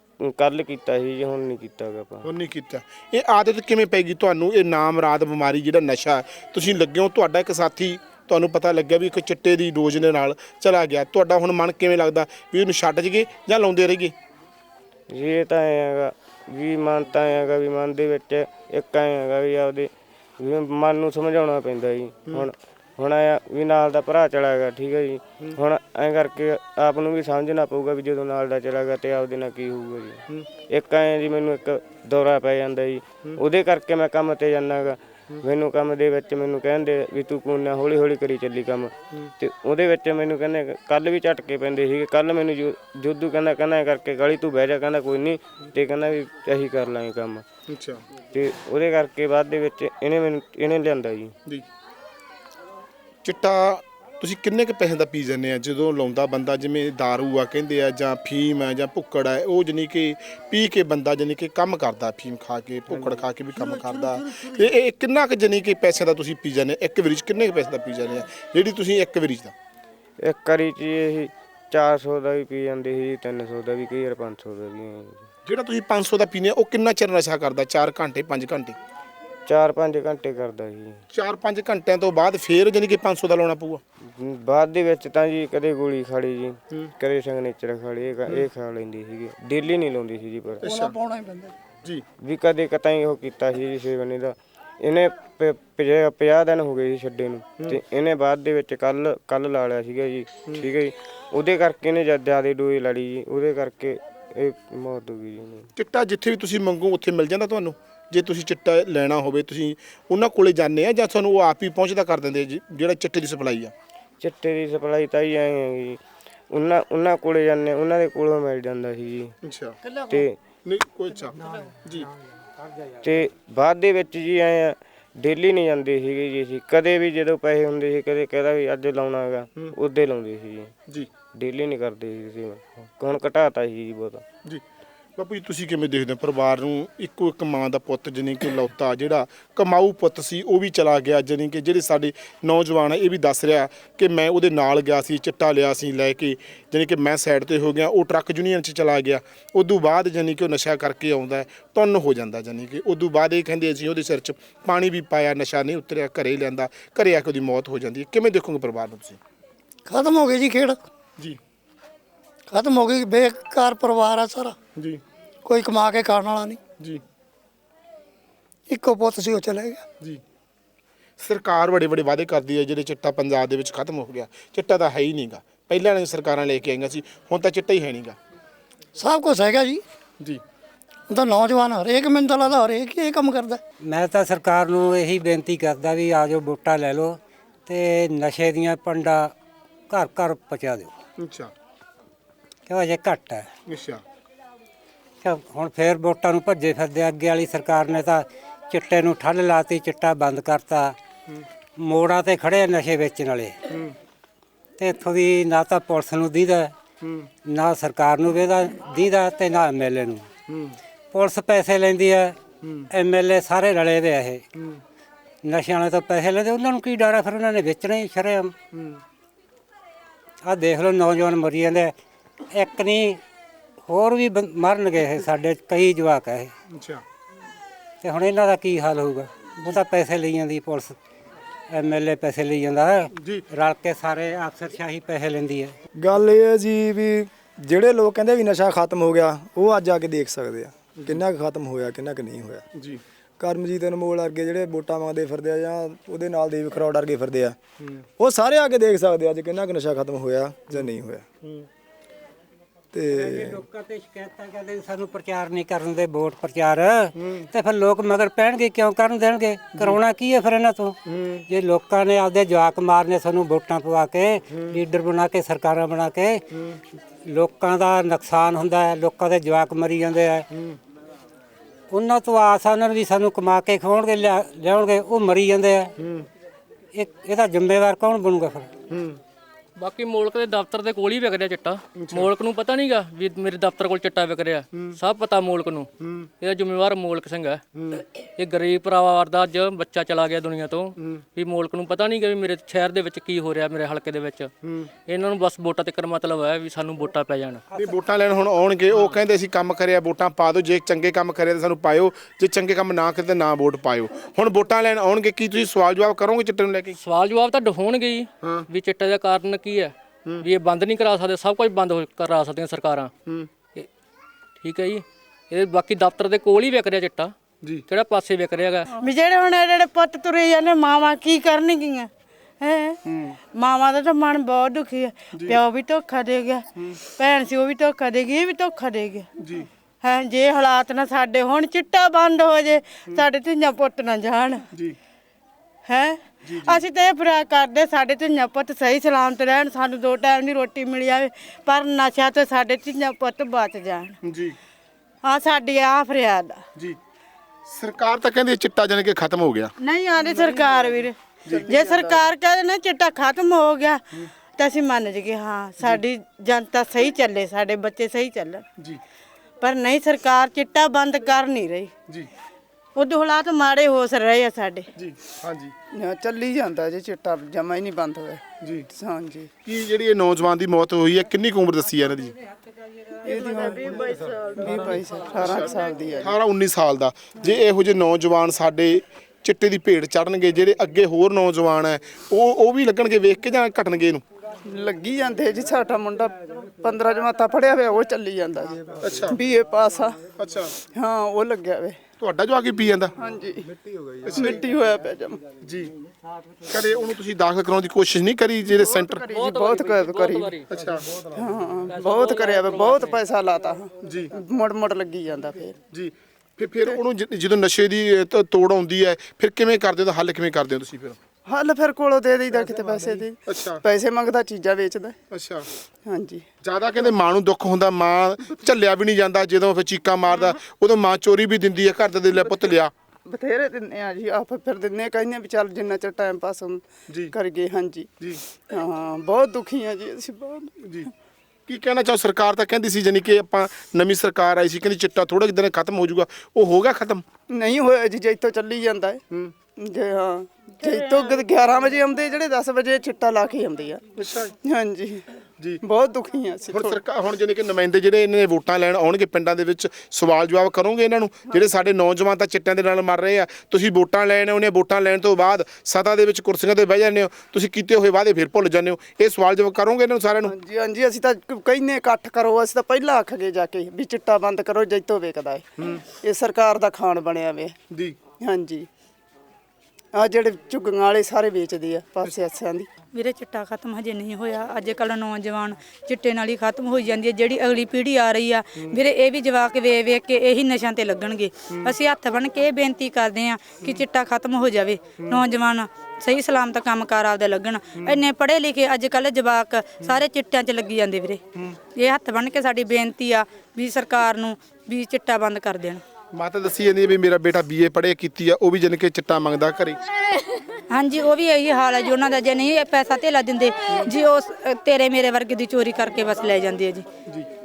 ਕੱਲ ਕੀਤਾ ਸੀ ਜੀ, ਹੁਣ ਨਹੀਂ ਕੀਤਾ ਗਾ ਆਪਾਂ। ਹੁਣ ਨਹੀਂ ਕੀਤਾ। ਇਹ ਆਦਤ ਕਿਵੇਂ ਪੈ ਗਈ ਤੁਹਾਨੂੰ? ਇਹ ਨਾਮਰਾਦ ਬਿਮਾਰੀ ਜਿਹੜਾ ਨਸ਼ਾ ਤੁਸੀਂ ਲੱਗੇ ਹੋ, ਤੁਹਾਡਾ ਇੱਕ ਸਾਥੀ ਤੁਹਾਨੂੰ ਪਤਾ ਲੱਗਿਆ ਵੀ ਇੱਕ ਚਿੱਟੇ ਦੀ ਡੋਜ਼ ਦੇ ਨਾਲ ਚਲਾ ਗਿਆ, ਤੁਹਾਡਾ ਹੁਣ ਮਨ ਕਿਵੇਂ ਲੱਗਦਾ ਵੀ ਇਹਨੂੰ ਛੱਡ ਜਗੇ ਜਾਂ ਲਾਉਂਦੇ ਰਹੀਏ? ਜੀ ਇਹ ਤਾਂ ਐਂ ਹੈਗਾ ਵੀ ਮਨ ਤਾਂ ਐਂ ਹੈਗਾ ਵੀ ਮਨ ਦੇ ਵਿੱਚ ਇੱਕ ਐਂ ਹੈਗਾ ਵੀ ਆਪਦੇ ਵੀ ਮਨ ਨੂੰ ਸਮਝਾਉਣਾ ਪੈਂਦਾ ਜੀ। ਹੁਣ ਹੁਣ ਆਇਆ ਵੀ ਨਾਲ ਦਾ ਭਰਾ ਚਲਾ ਗਿਆ, ਠੀਕ ਹੈ ਜੀ। ਹੁਣ ਐਂ ਕਰਕੇ ਆਪ ਨੂੰ ਵੀ ਸਮਝਣਾ ਪਊਗਾ ਵੀ ਜਦੋਂ ਨਾਲ ਦਾ ਚਲਾ ਗਿਆ ਤੇ ਆਪਦੇ ਨਾਲ ਕੀ ਹੋਊਗਾ ਜੀ। ਇੱਕ ਐਂ ਜੀ ਮੈਨੂੰ ਇੱਕ ਦੌਰਾ ਪੈ ਜਾਂਦਾ ਜੀ, ਉਹਦੇ ਕਰਕੇ ਮੈਂ ਕੰਮ ਤੇ ਜਾਂਦਾ ਗਾ। ਮੈਨੂੰ ਕੰਮ ਦੇ ਵਿੱਚ ਮੈਨੂੰ ਕਹਿੰਦੇ ਵੀ ਤੂੰ ਕੋਈ ਨਾ ਹੌਲੀ ਹੌਲੀ ਕਰੀ ਚੱਲੀ ਕੰਮ। ਤੇ ਉਹਦੇ ਵਿੱਚ ਮੈਨੂੰ ਕਹਿੰਦੇ ਕੱਲ ਵੀ ਝਟਕੇ ਪੈਂਦੇ ਸੀਗੇ। ਕੱਲ ਮੈਨੂੰ ਜੋਦੂ ਕਹਿੰਦਾ ਕਹਿੰਦਾ ਕਰਕੇ ਗਲੀ ਤੂੰ ਬਹਿ ਜਾ, ਕਹਿੰਦਾ ਕੋਈ ਨਹੀਂ, ਤੇ ਕਹਿੰਦਾ ਵੀ ਅਸੀਂ ਕਰ ਲਾਂਗੇ ਕੰਮ। ਅੱਛਾ। ਤੇ ਉਹਦੇ ਕਰਕੇ ਬਾਅਦ ਦੇ ਵਿੱਚ ਇਹਨੇ ਮੈਨੂੰ ਇਹਨੇ ਲਿਆਂਦਾ ਜੀ। ਜੀ। ਚਿੱਟਾ ਤੁਸੀਂ ਕਿੰਨੇ ਕੁ ਪੈਸੇ ਦਾ ਪੀ ਜਾਂਦੇ ਆ ਜਦੋਂ ਲਾਉਂਦਾ ਬੰਦਾ, ਜਿਵੇਂ ਦਾਰੂ ਆ ਕਹਿੰਦੇ ਆ ਜਾਂ ਫੀਮ ਆ ਜਾਂ ਭੁੱਕੜ ਆ, ਉਹ ਜਾਣੀ ਕਿ ਪੀ ਕੇ ਬੰਦਾ ਜਾਣੀ ਕਿ ਕੰਮ ਕਰਦਾ, ਫੀਮ ਖਾ ਕੇ ਭੁੱਕੜ ਖਾ ਕੇ ਵੀ ਕੰਮ ਕਰਦਾ, ਤੇ ਇਹ ਕਿੰਨਾ ਕੁ ਜਾਣੀ ਕਿ ਪੈਸੇ ਦਾ ਤੁਸੀਂ ਪੀ ਜਾਂਦੇ ਇੱਕ ਵਾਰੀ 'ਚ ਕਿੰਨੇ ਕੁ ਪੈਸੇ ਦਾ ਪੀ ਜਾਂਦੇ ਆ ਜਿਹੜੀ ਤੁਸੀਂ ਇੱਕ ਵਾਰੀ 'ਚ ਦਾ? ਇੱਕ ਵਾਰੀ 'ਚ ਇਹ ਚਾਰ ਸੌ ਦਾ ਵੀ ਪੀ ਜਾਂਦੇ ਸੀ, ਤਿੰਨ ਸੌ ਦਾ ਵੀ, ਕਈ ਵਾਰ ਪੰਜ ਸੌ ਦਾ ਵੀ। ਜਿਹੜਾ ਤੁਸੀਂ ਪੰਜ ਸੌ ਦਾ ਪੀਨੇ ਉਹ ਕਿੰਨਾ ਚਿਰ ਨਸ਼ਾ ਕਰਦਾ? ਚਾਰ ਘੰਟੇ ਪੰਜ ਘੰਟੇ? ਚਾਰ ਪੰਜ ਘੰਟੇ ਕਰਦਾ ਸੀ। ਚਾਰ ਪੰਜ ਘੰਟਿਆਂ ਤੋਂ ਬਾਅਦ ਫੇਰ ਜਾਣੀ ਕਿ ਪੰਜ ਸੌ ਦਾ ਲਾਉਣਾ ਪਊਗਾ? ਬਾਅਦ ਦੇ ਵਿੱਚ ਤਾਂ ਜੀ ਕਦੇ ਗੋਲੀ ਖਾਲੀ ਜੀ, ਕਦੇ ਸਿਗਨੇਚਰ ਖਾਲੀ, ਇਹ ਇਹ ਖਾ ਲੈਂਦੀ ਸੀਗੀ, ਡੇਲੀ ਨਹੀਂ ਲਾਉਂਦੀ ਸੀ ਜੀ। ਪਰ ਜੀ ਵੀ ਕਦੇ ਕਤਾਈ ਉਹ ਕੀਤਾ ਸੀ ਜੀ ਸੇਵਨ ਦਾ। ਇਹਨੇ ਪੰਜਾਹ ਦਿਨ ਹੋ ਗਏ ਜੀ ਛੱਡੇ ਨੂੰ, ਤੇ ਇਹਨੇ ਬਾਅਦ ਦੇ ਵਿੱਚ ਕੱਲ ਕੱਲ ਲਾ ਲਿਆ ਸੀਗਾ ਜੀ। ਠੀਕ ਹੈ ਜੀ, ਉਹਦੇ ਕਰਕੇ ਇਹਨੇ ਜਦ ਜ਼ਿਆਦਾ ਡੋਜ਼ ਲੜੀ ਜੀ, ਉਹਦੇ ਕਰਕੇ ਇਹ ਮੌਤ ਹੋ ਗਈ ਜੀ। ਚਿੱਟਾ ਜਿੱਥੇ ਵੀ ਤੁਸੀਂ ਮੰਗੋ ਉੱਥੇ ਮਿਲ ਜਾਂਦਾ ਤੁਹਾਨੂੰ? ਜੇ ਤੁਸੀਂ ਚਿੱਟਾ ਲੈਣਾ ਹੋਵੇ ਤੁਸੀਂ ਉਹਨਾਂ ਕੋਲੇ ਜਾਂਦੇ ਆ ਜਾਂ ਤੁਹਾਨੂੰ ਉਹ ਆਪ ਹੀ ਪਹੁੰਚਦਾ ਕਰ ਦਿੰਦੇ ਜੀ ਜਿਹੜਾ ਚਿੱਟੇ ਦੀ ਸਪਲਾਈ ਆ? ਚਿੱਟੇ ਦੀ ਸਪਲਾਈ ਤਾਂ ਹੀ ਆਏ ਹੈਗੀ, ਉਹਨਾਂ ਉਹਨਾਂ ਕੋਲੇ ਜਾਂਦੇ, ਉਹਨਾਂ ਦੇ ਕੋਲੋਂ ਮਿਲ ਜਾਂਦਾ ਸੀ ਜੀ। ਅੱਛਾ, ਤੇ ਨਹੀਂ ਕੋਈ ਅੱਛਾ ਜੀ। ਤੇ ਬਾਅਦ ਦੇ ਵਿੱਚ ਜੀ ਆਏ ਆ, ਡੇਲੀ ਨਹੀਂ ਜਾਂਦੇ ਸੀਗੇ ਜੀ ਅਸੀਂ, ਕਦੇ ਵੀ ਜਦੋਂ ਪੈਸੇ ਹੁੰਦੇ ਸੀ ਕਦੇ ਕਹਿੰਦਾ ਵੀ ਅੱਜ ਲਾਉਣਾ ਹੈਗਾ, ਉਦੋਂ ਲਾਉਂਦੇ ਸੀ ਜੀ ਜੀ। ਡੇਲੀ ਨਹੀਂ ਕਰਦੇ ਸੀ ਅਸੀਂ, ਹੁਣ ਘਟਾਤਾ ਸੀ ਜੀ ਬਹੁਤ ਜੀ ਬਾਪੂ ਜੀ, ਤੁਸੀਂ ਕਿਵੇਂ ਦੇਖਦੇ ਹੋ ਪਰਿਵਾਰ ਨੂੰ? ਇੱਕੋ ਇੱਕ ਮਾਂ ਦਾ ਪੁੱਤ ਜਾਣੀ ਕਿ ਲੌਤਾ ਜਿਹੜਾ ਕਮਾਊ ਪੁੱਤ ਸੀ ਉਹ ਵੀ ਚਲਾ ਗਿਆ, ਜਾਣੀ ਕਿ ਜਿਹੜੇ ਸਾਡੇ ਨੌਜਵਾਨ ਆ ਇਹ ਵੀ ਦੱਸ ਰਿਹਾ ਕਿ ਮੈਂ ਉਹਦੇ ਨਾਲ ਗਿਆ ਸੀ, ਚਿੱਟਾ ਲਿਆ ਸੀ ਲੈ ਕੇ, ਜਾਣੀ ਕਿ ਮੈਂ ਸਾਈਡ ਤੇ ਹੋ ਗਿਆ, ਉਹ ਟਰੱਕ ਯੂਨੀਅਨ 'ਚ ਚਲਾ ਗਿਆ, ਉਦੋਂ ਬਾਅਦ ਜਾਣੀ ਕਿ ਉਹ ਨਸ਼ਾ ਕਰਕੇ ਆਉਂਦਾ ਤੁੰਨ ਹੋ ਜਾਂਦਾ, ਜਾਣੀ ਕਿ ਉਦੋਂ ਬਾਅਦ ਇਹ ਕਹਿੰਦੇ ਅਸੀਂ ਉਹਦੇ ਸਿਰ 'ਚ ਪਾਣੀ ਵੀ ਪਾਇਆ, ਨਸ਼ਾ ਨਹੀਂ ਉਤਰਿਆ, ਘਰੇ ਲੈਂਦਾ, ਘਰੇ ਆ ਕੇ ਉਹਦੀ ਮੌਤ ਹੋ ਜਾਂਦੀ ਹੈ। ਕਿਵੇਂ ਦੇਖੋਗੇ ਪਰਿਵਾਰ ਨੂੰ ਤੁਸੀਂ? ਖਤਮ ਹੋ ਗਈ ਜੀ ਖੇਡ, ਜੀ ਖਤਮ ਹੋ ਗਈ, ਬੇਕਾਰ ਪਰਿਵਾਰ ਆ ਸਾਰਾ, ਜੀ ਕੋਈ ਕਮਾ ਕੇ ਖਾਣ ਵਾਲਾ ਨਹੀਂ, ਜੀ ਇੱਕੋ ਪੁੱਤ ਸੀ ਉਹ ਚਲੇ ਗਿਆ। ਜੀ ਸਰਕਾਰ ਬੜੇ ਬੜੇ ਵਾਅਦੇ ਕਰਦੀ ਹੈ ਜਿਹੜੇ ਚਿੱਟਾ ਪੰਜਾਬ ਦੇ ਵਿੱਚ ਖਤਮ ਹੋ ਗਿਆ। ਚਿੱਟਾ ਤਾਂ ਹੈ ਹੀ ਨਹੀਂਗਾ, ਪਹਿਲਾਂ ਵਾਲੀਆਂ ਸਰਕਾਰਾਂ ਲੈ ਕੇ ਆਈਆਂ ਸੀ, ਹੁਣ ਤਾਂ ਚਿੱਟਾ ਹੀ ਹੈ ਨਹੀਂਗਾ। ਸਭ ਕੁਝ ਹੈਗਾ ਜੀ, ਜੀ ਹੁਣ ਤਾਂ ਨੌਜਵਾਨ ਹਰੇਕ ਮੈਨੂੰ ਤਾਂ ਲੱਗਦਾ ਹਰੇਕ ਹੀ ਇਹ ਕੰਮ ਕਰਦਾ। ਮੈਂ ਤਾਂ ਸਰਕਾਰ ਨੂੰ ਇਹੀ ਬੇਨਤੀ ਕਰਦਾ ਵੀ ਆ ਜਾਓ ਵੋਟਾਂ ਲੈ ਲਓ ਤੇ ਨਸ਼ੇ ਦੀਆਂ ਪੰਡਾਂ ਘਰ ਘਰ ਪਹੁੰਚਾ ਦਿਓ, ਅੱਛਾ ਕਿਉਂ ਅਜੇ ਘੱਟ ਹੈ। ਅੱਛਾ ਕਿਉਂ ਹੁਣ ਫੇਰ ਵੋਟਾਂ ਨੂੰ ਭੱਜੇ ਫਿਰਦੇ, ਅੱਗੇ ਵਾਲੀ ਸਰਕਾਰ ਨੇ ਤਾਂ ਚਿੱਟੇ ਨੂੰ ਠੱਲ ਲਾਤੀ, ਚਿੱਟਾ ਬੰਦ ਕਰਤਾ, ਮੋੜਾਂ ਤੇ ਖੜੇ ਨਸ਼ੇ ਵੇਚਣ ਵਾਲੇ, ਤੇ ਇੱਥੋਂ ਦੀ ਨਾ ਤਾਂ ਪੁਲਿਸ ਨੂੰ ਦੀਦਾ, ਨਾ ਸਰਕਾਰ ਨੂੰ ਵੇਦਾ ਦੀਦਾ, ਤੇ ਨਾ ਐਮ ਐਲ ਏ ਨੂੰ। ਪੁਲਿਸ ਪੈਸੇ ਲੈਂਦੀ ਹੈ, ਐਮ ਐਲ ਏ ਸਾਰੇ ਰਲੇ ਦੇ ਆ, ਇਹ ਨਸ਼ਿਆਂ ਵਾਲੇ ਤੋਂ ਪੈਸੇ ਲੈਂਦੇ, ਉਹਨਾਂ ਨੂੰ ਕੀ ਡਰ ਆ, ਫਿਰ ਉਹਨਾਂ ਨੇ ਵੇਚਣਾ ਹੀ ਸ਼ਰੇਆਮ। ਆਹ ਦੇਖ ਲਓ ਨੌਜਵਾਨ ਮਰੀ ਜਾਂਦੇ, ਇੱਕ ਨਹੀਂ ਹੋਰ ਵੀ ਬੰ- ਮਰਨਗੇ ਇਹ, ਸਾਡੇ ਕਈ ਜਵਾਕ ਹੈ ਇਹ, ਅੱਛਾ ਤੇ ਹੁਣ ਇਹਨਾਂ ਦਾ ਕੀ ਹਾਲ ਹੋਊਗਾ? ਉਹ ਤਾਂ ਪੈਸੇ ਲਈ ਜਾਂਦੀ ਪੁਲਿਸ, ਐਮ ਐਲ ਏ ਪੈਸੇ ਲਈ ਜਾਂਦਾ, ਜੀ ਰਲ ਕੇ ਸਾਰੇ ਅਫਸਰਸ਼ਾਹੀ ਪੈਸੇ ਲੈਂਦੀ ਹੈ। ਗੱਲ ਇਹ ਹੈ ਜੀ ਵੀ ਜਿਹੜੇ ਲੋਕ ਕਹਿੰਦੇ ਵੀ ਨਸ਼ਾ ਖਤਮ ਹੋ ਗਿਆ, ਉਹ ਅੱਜ ਆ ਕੇ ਦੇਖ ਸਕਦੇ ਆ ਕਿੰਨਾ ਕੁ ਖਤਮ ਹੋਇਆ, ਕਿੰਨਾ ਕੁ ਨਹੀਂ ਹੋਇਆ। ਜੀ ਕਰਮਜੀਤ ਅਨਮੋਲ ਵਰਗੇ ਜਿਹੜੇ ਵੋਟਾਂ ਮੰਗਦੇ ਫਿਰਦੇ ਆ ਜਾਂ ਉਹਦੇ ਨਾਲ ਦੇਵ ਖਰੋੜ ਵਰਗੇ ਫਿਰਦੇ ਆ, ਉਹ ਸਾਰੇ ਆ ਕੇ ਦੇਖ ਸਕਦੇ ਆ ਅੱਜ ਕਿੰਨਾ ਕੁ ਨਸ਼ਾ ਖਤਮ ਹੋਇਆ ਜਾਂ ਨਹੀਂ ਹੋਇਆ। ਤੇ ਲੋਕਾਂ ਤੇ ਸ਼ਿਕਾਇਤਾਂ ਕਰਦੇ ਵੀ ਸਾਨੂੰ ਪ੍ਰਚਾਰ ਨਹੀਂ ਕਰਨ ਦੇ, ਵੋਟ ਪ੍ਰਚਾਰ, ਤੇ ਫਿਰ ਲੋਕ ਮਗਰ ਪੈਣਗੇ, ਕਿਉਂ ਕਰਨ ਦੇਣਗੇ? ਕਰਾਉਣਾ ਕੀ ਹੈ ਫਿਰ ਇਹਨਾਂ ਤੋਂ? ਜੇ ਲੋਕਾਂ ਨੇ ਆਪਦੇ ਜਵਾਕ ਮਾਰਨੇ ਸਾਨੂੰ ਵੋਟਾਂ ਪਵਾ ਕੇ, ਲੀਡਰ ਬਣਾ ਕੇ, ਸਰਕਾਰਾਂ ਬਣਾ ਕੇ, ਲੋਕਾਂ ਦਾ ਨੁਕਸਾਨ ਹੁੰਦਾ ਹੈ, ਲੋਕਾਂ ਦੇ ਜਵਾਕ ਮਰੀ ਜਾਂਦੇ ਆ, ਉਹਨਾਂ ਤੋਂ ਆਸ ਆ ਉਹਨਾਂ ਨੂੰ ਵੀ ਸਾਨੂੰ ਕਮਾ ਕੇ ਖਵਾਉਣਗੇ, ਲਿਆ ਲਿਆਉਣਗੇ, ਉਹ ਮਰੀ ਜਾਂਦੇ ਆ। ਇਹ ਇਹਦਾ ਜ਼ਿੰਮੇਵਾਰ ਕੌਣ ਬਣੂਗਾ ਫਿਰ? ਬਾਕੀ ਮੋਲਕ ਦੇ ਦਫ਼ਤਰ ਦੇ ਕੋਲ ਹੀ ਵਿਕ ਰਿਹਾ ਚਿੱਟਾ, ਮੋਲਕ ਨੂੰ ਪਤਾ ਨਹੀਂਗਾ ਵੀ ਮੇਰੇ ਦਫ਼ਤਰ ਕੋਲ ਚਿੱਟਾ ਵਿਕ ਰਿਹਾ, ਸਭ ਪਤਾ ਮੋਲਕ ਨੂੰ। ਇਹਦਾ ਜ਼ਿੰਮੇਵਾਰ ਮੋਲਕ ਸਿੰਘ ਹੈ। ਇਹ ਗਰੀਬ ਪਰਿਵਾਰ ਦਾ ਅੱਜ ਬੱਚਾ ਚਲਾ ਗਿਆ ਦੁਨੀਆ ਤੋਂ, ਵੀ ਮੋਲਕ ਨੂੰ ਪਤਾ ਨਹੀਂਗਾ ਵੀ ਮੇਰੇ ਸ਼ਹਿਰ ਦੇ ਵਿੱਚ ਕੀ ਹੋ ਰਿਹਾ, ਮੇਰੇ ਹਲਕੇ ਦੇ ਵਿੱਚ। ਇਹਨਾਂ ਨੂੰ ਬਸ ਵੋਟਾਂ ਤੱਕ ਮਤਲਬ ਹੈ ਵੀ ਸਾਨੂੰ ਵੋਟਾਂ ਪੈ ਜਾਣ। ਵੀ ਵੋਟਾਂ ਲੈਣ ਹੁਣ ਆਉਣਗੇ, ਉਹ ਕਹਿੰਦੇ ਅਸੀਂ ਕੰਮ ਕਰਿਆ ਵੋਟਾਂ ਪਾ ਦਿਓ, ਜੇ ਚੰਗੇ ਕੰਮ ਕਰਿਆ ਤਾਂ ਸਾਨੂੰ ਪਾਇਓ, ਜੇ ਚੰਗੇ ਕੰਮ ਨਾ ਕਰੇ ਤਾਂ ਨਾ ਵੋਟ ਪਾਇਓ। ਹੁਣ ਵੋਟਾਂ ਲੈਣ ਆਉਣਗੇ, ਕੀ ਤੁਸੀਂ ਸਵਾਲ ਜਵਾਬ ਕਰੋਗੇ ਚਿੱਟੇ ਨੂੰ ਲੈ ਕੇ? ਸਵਾਲ ਜਵਾਬ ਤਾਂ ਹੋਣਗੇ ਹੀ ਵੀ ਚਿੱਟੇ ਦਾ ਕਾਰਨ ਕੀ ਹੈ, ਵੀ ਇਹ ਬੰਦ ਨਹੀਂ ਕਰਾ ਸਕਦੇ, ਸਭ ਕੁਝ ਬੰਦ ਹੋ- ਕਰਾ ਸਕਦੀਆਂ ਸਰਕਾਰਾਂ। ਇਹ- ਠੀਕ ਹੈ ਜੀ। ਇਹ ਬਾਕੀ ਦਫ਼ਤਰ ਦੇ ਕੋਲ ਹੀ ਵਿਕ ਰਿਹਾ ਚਿੱਟਾ, ਕਿਹੜਾ ਪਾਸੇ ਵਿਕ ਰਿਹਾ ਹੈਗਾ। ਵੀ ਜਿਹੜੇ ਹੁਣ ਇਹ ਜਿਹੜੇ ਪੁੱਤ ਤੁਰੇ ਜਾਂਦੇ, ਮਾਵਾਂ ਕੀ ਕਰਨਗੀਆਂ ਹੈ? ਮਾਵਾਂ ਦਾ ਤਾਂ ਮਨ ਬਹੁਤ ਦੁਖੀ ਹੈ, ਪਿਓ ਵੀ ਧੋਖਾ ਦੇ ਗਿਆ, ਭੈਣ ਸੀ ਉਹ ਵੀ ਧੋਖਾ ਦੇ ਗਈ, ਇਹ ਵੀ ਧੋਖਾ ਦੇ ਗਿਆ ਜੀ। ਹੈ ਜੇ ਹਾਲਾਤ ਨਾ ਸਾਡੇ ਹੁਣ ਚਿੱਟਾ ਬੰਦ ਹੋ ਜੇ, ਸਾਡੇ ਧੀਆਂ ਪੁੱਤ ਨਾ ਜਾਣ ਜੀ। ਹੈ ਅਸੀਂ ਤਾਂ ਇਹ ਪ੍ਰਾ ਕਰਦੇ ਸਾਡੇ ਧੀਆਂ ਪੁੱਤ ਸਹੀ ਸਲਾਮਤ ਰਹਿਣ, ਸਾਨੂੰ ਦੋ ਟਾਈਮ ਦੀ ਰੋਟੀ ਮਿਲ ਜਾਵੇ, ਪਰ ਨਸ਼ਾ ਤੋਂ ਸਾਡੇ ਧੀਆਂ ਪੁੱਤ ਬਚ ਜਾਣ ਜੀ। ਹਾਂ ਸਾਡੀ ਆ ਫਰਿਆਦ ਆ ਜੀ ਸਰਕਾਰ ਤਾਂ ਕਹਿੰਦੀ ਚਿੱਟਾ ਜਾਣੀ ਕਿ ਖਤਮ ਹੋ ਗਿਆ। ਨਹੀਂ ਆਂਦੀ ਸਰਕਾਰ ਵੀਰ, ਜੇ ਸਰਕਾਰ ਕਹੇ ਨਾ ਚਿੱਟਾ ਖਤਮ ਹੋ ਗਿਆ ਤਾਂ ਅਸੀਂ ਮੰਨ ਜਗੇ ਹਾਂ ਸਾਡੀ ਜਨਤਾ ਸਹੀ ਚੱਲੇ, ਸਾਡੇ ਬੱਚੇ ਸਹੀ ਚੱਲਣ ਜੀ। ਪਰ ਨਹੀਂ, ਸਰਕਾਰ ਚਿੱਟਾ ਬੰਦ ਕਰ ਨਹੀਂ ਰਹੀ ਜੀ ਉਦੋਂ ਹਾਲਾਤ ਮਾੜੇ ਹੋ ਸ ਰਹੇ ਆ ਸਾਡੇ। ਜੀ ਹਾਂਜੀ ਨਾ ਚੱਲੀ ਜਾਂਦਾ ਜੀ, ਚਿੱਟਾ ਜਮਾ ਹੀ ਨਹੀਂ ਬੰਦ ਹੋਇਆ ਜੀ। ਹਾਂਜੀ। ਕੀ ਜਿਹੜੀ ਇਹ ਨੌਜਵਾਨ ਦੀ ਮੌਤ ਹੋਈ ਹੈ ਕਿੰਨੀ ਕੁ ਉਮਰ ਦੱਸੀ ਹੈ ਇਹਨਾਂ ਦੀ? ਇਹਦੀ ਹੁਣ ਵੀਹ ਬਾਈ ਸਾਲ ਅਠਾਰਾਂ ਕੁ ਸਾਲ ਦੀ ਹੈ। ਅਠਾਰਾਂ ਉੱਨੀ ਸਾਲ ਦਾ। ਜੇ ਇਹੋ ਜਿਹੇ ਨੌਜਵਾਨ ਸਾਡੇ ਚਿੱਟੇ ਦੀ ਭੇਟ ਚੜਨਗੇ, ਜਿਹੜੇ ਅੱਗੇ ਹੋਰ ਨੌਜਵਾਨ ਹੈ ਉਹ ਉਹ ਵੀ ਲੱਗਣਗੇ ਵੇਖ ਕੇ ਜਾਂ ਘਟਣਗੇ ਇਹਨੂੰ? ਲੱਗੀ ਜਾਂਦੇ ਜੀ। ਸਾਡਾ ਮੁੰਡਾ ਪੰਦਰਾਂ ਜਮਾਤਾਂ ਪੜਿਆ ਹੋਇਆ, ਉਹ ਚੱਲੀ ਜਾਂਦਾ ਜੀ। ਅੱਛਾ। ਬੀਏ ਪਾਸ ਆ। ਅੱਛਾ। ਹਾਂ, ਉਹ ਲੱਗਿਆ ਵੇ। ਤੁਹਾਡਾ ਜੋ ਆ ਕੇ ਪੀ ਜਾਂਦਾ? ਹਾਂਜੀ, ਮਿੱਟੀ ਹੋ ਗਈ। ਮਿੱਟੀ ਹੋਇਆ ਪਿਆ ਜਮ ਜੀ। ਕਦੇ ਉਹਨੂੰ ਤੁਸੀਂ ਦਾਖਲ ਕਰਾਉਣ ਦੀ ਕੋਸ਼ਿਸ਼ ਨਹੀਂ ਕਰੀ ਜਿਹੜੇ ਸੈਂਟਰ? ਜੀ ਬਹੁਤ ਕਰ- ਕਰੀ। ਅੱਛਾ। ਹਾਂ, ਬਹੁਤ ਕਰਿਆ ਵੇ, ਬਹੁਤ ਪੈਸਾ ਲਾਤਾ ਜੀ। ਮੁੜ ਮੁੜ ਲੱਗੀ ਜਾਂਦਾ ਫਿਰ। ਜੀ। ਫਿਰ ਫਿਰ ਉਹਨੂੰ ਜ- ਜਦੋਂ ਨਸ਼ੇ ਦੀ ਅ, ਤ- ਤੋੜ ਆਉਂਦੀ ਹੈ ਫਿਰ ਕਿਵੇਂ ਕਰਦੇ ਹੋ, ਤਾਂ ਹੱਲ ਕਿਵੇਂ ਕਰਦੇ ਹੋ ਤੁਸੀਂ ਫਿਰ? ਹੱਲ ਫਿਰ ਕੋਲੋਂ ਦੇ ਦੇਈਦਾ, ਕਿਤੇ ਪੈਸੇ ਦੇ। ਅੱਛਾ। ਪੈਸੇ ਮੰਗਦਾ, ਚੀਜ਼ਾਂ ਵੇਚਦਾ। ਅੱਛਾ। ਹਾਂਜੀ। ਜਿਆਦਾ ਕਹਿੰਦੇ ਮਾਂ ਨੂੰ ਦੁੱਖ ਹੁੰਦਾ, ਮਾਂ ਝੱਲਿਆ ਵੀ ਨਹੀਂ ਜਾਂਦਾ, ਜਦੋਂ ਫਿਰ ਚੀਕਾਂ ਮਾਰਦਾ ਉਦੋਂ ਮਾਂ ਚੋਰੀ ਵੀ ਦਿੰਦੀ ਹੈ, ਘਰ ਦੇ ਲੈ ਪੁੱਤ ਲਿਆ। ਬਥੇਰੇ ਦਿੰਦੇ ਆ ਜੀ, ਆਪ ਫਿਰ ਦਿੰਦੇ, ਕਹਿੰਦੇ ਵੀ ਚੱਲ ਜਿੰਨਾ ਚਿਰ ਟਾਈਮ ਪਾਸ ਜੀ। ਕਰ ਗਏ। ਹਾਂਜੀ ਜੀ। ਹਾਂ, ਬਹੁਤ ਦੁਖੀ ਆ ਜੀ ਅਸੀਂ, ਬਹੁਤ। ਜੀ। ਕੀ ਕਹਿਣਾ ਚਾਹੋ? ਸਰਕਾਰ ਤਾਂ ਕਹਿੰਦੀ ਸੀ, ਜਾਨੀ ਕਿ ਆਪਾਂ ਨਵੀਂ ਸਰਕਾਰ ਆਈ ਸੀ, ਕਹਿੰਦੀ ਚਿੱਟਾ ਥੋੜੇ ਦਿਨ ਖਤਮ ਹੋ ਜਾਊਗਾ, ਉਹ ਹੋ ਗਿਆ ਖਤਮ? ਨਹੀਂ ਹੋਇਆ ਜੀ, ਜੈਤੋਂ ਚੱਲੀ ਜਾਂਦਾ ਹੈ। ਜੇ ਹਾਂ, ਜੈਤੋਂ ਗਿਆਰਾਂ ਵਜੇ ਆਉਂਦੇ, ਜਿਹੜੇ ਦਸ ਵਜੇ ਚਿੱਟਾ ਲਾ ਕੇ ਆਉਂਦੇ ਆ। ਅੱਛਾ। ਹਾਂਜੀ ਜੀ। ਬਹੁਤ ਦੁਖੀ ਆ ਅਸੀਂ। ਹੁਣ ਸਰਕਾਰ ਹੁਣ ਜਾਨੀ ਕਿ ਨੁਮਾਇੰਦੇ ਜਿਹੜੇ ਇਹਨਾਂ ਨੇ ਵੋਟਾਂ ਲੈਣ ਆਉਣਗੇ ਪਿੰਡਾਂ ਦੇ ਵਿੱਚ, ਸਵਾਲ ਜਵਾਬ ਕਰੋਗੇ ਇਹਨਾਂ ਨੂੰ? ਜਿਹੜੇ ਸਾਡੇ ਨੌਜਵਾਨ ਤਾਂ ਚਿੱਟਿਆਂ ਦੇ ਨਾਲ ਮਰ ਰਹੇ ਆ, ਤੁਸੀਂ ਵੋਟਾਂ ਲੈਣ ਆਉਂਦੇ, ਵੋਟਾਂ ਲੈਣ ਤੋਂ ਬਾਅਦ ਸੱਤਾ ਦੇ ਵਿੱਚ ਕੁਰਸੀਆਂ ਤੇ ਬਹਿ ਜਾਂਦੇ ਹੋ, ਤੁਸੀਂ ਕੀਤੇ ਹੋਏ ਵਾਅਦੇ ਫਿਰ ਭੁੱਲ ਜਾਂਦੇ ਹੋ, ਇਹ ਸਵਾਲ ਜਵਾਬ ਕਰੋਗੇ ਇਹਨਾਂ ਨੂੰ ਸਾਰਿਆਂ ਨੂੰ? ਹਾਂਜੀ ਹਾਂਜੀ, ਅਸੀਂ ਤਾਂ ਕਹਿੰਦੇ ਇਕੱਠ ਕਰੋ, ਅਸੀਂ ਤਾਂ ਪਹਿਲਾਂ ਆਖ ਗਏ ਜਾ ਕੇ ਵੀ ਚਿੱਟਾ ਬੰਦ ਕਰੋ, ਜੈਤੋਂ ਵੇਚਦਾ ਹੈ। ਇਹ ਸਰਕਾਰ ਦਾ ਖਾਣ ਬਣਿਆ ਵੇ। ਜੀ। ਹਾਂਜੀ। ਆ ਜਿਹੜੇ ਝੁੱਗੀਆਂ ਵਾਲੇ ਸਾਰੇ ਵੇਚਦੇ ਆ ਪਾਸੇ ਅਸਿਆਂ ਦੀ। ਵੀਰੇ ਚਿੱਟਾ ਖਤਮ ਹਜੇ ਨਹੀਂ ਹੋਇਆ। ਅੱਜ ਕੱਲ੍ਹ ਨੌਜਵਾਨ ਚਿੱਟੇ ਨਾਲ ਹੀ ਖਤਮ ਹੋਈ ਜਾਂਦੀ ਹੈ। ਜਿਹੜੀ ਅਗਲੀ ਪੀੜ੍ਹੀ ਆ ਰਹੀ ਆ ਵੀਰੇ, ਇਹ ਵੀ ਜਵਾਕ ਵੇਖ ਵੇਖ ਕੇ ਇਹੀ ਨਸ਼ਿਆਂ ਤੇ ਲੱਗਣਗੇ। ਅਸੀਂ ਹੱਥ ਬੰਨ੍ਹ ਕੇ ਇਹ ਬੇਨਤੀ ਕਰਦੇ ਹਾਂ ਕਿ ਚਿੱਟਾ ਖਤਮ ਹੋ ਜਾਵੇ, ਨੌਜਵਾਨ ਸਹੀ ਸਲਾਮਤ ਕੰਮਕਾਰ ਆਪਦਾ ਲੱਗਣ। ਇੰਨੇ ਪੜ੍ਹੇ ਲਿਖੇ ਅੱਜ ਕੱਲ੍ਹ ਜਵਾਕ ਸਾਰੇ ਚਿੱਟਿਆਂ 'ਚ ਲੱਗੀ ਜਾਂਦੇ ਵੀਰੇ। ਇਹ ਹੱਥ ਬੰਨ੍ਹ ਕੇ ਸਾਡੀ ਬੇਨਤੀ ਆ ਵੀ ਸਰਕਾਰ ਨੂੰ ਵੀ ਚਿੱਟਾ ਬੰਦ ਕਰ ਦੇਣ। ਮਾਤਾ ਦੱਸੀ ਜਾਂਦੀ ਵੀ ਮੇਰਾ ਬੇਟਾ ਬੀਏ ਪੜ੍ਹੇ ਕੀਤੀ ਆ, ਉਹ ਵੀ ਜਾਨੀ ਕਿ ਚਿੱਟਾ ਮੰਗਦਾ ਘਰੇ। ਹਾਂਜੀ, ਉਹ ਵੀ ਇਹੀ ਹਾਲ ਹੈ ਜੀ ਉਹਨਾਂ ਦਾ। ਜੇ ਨਹੀਂ ਪੈਸਾ ਧੇਲਾ ਦਿੰਦੇ ਜੀ, ਉਹ ਤੇਰੇ ਮੇਰੇ ਵਰਗੇ ਦੀ ਚੋਰੀ ਕਰਕੇ ਬਸ ਲੈ ਜਾਂਦੇ ਆ ਜੀ। ਜੀ।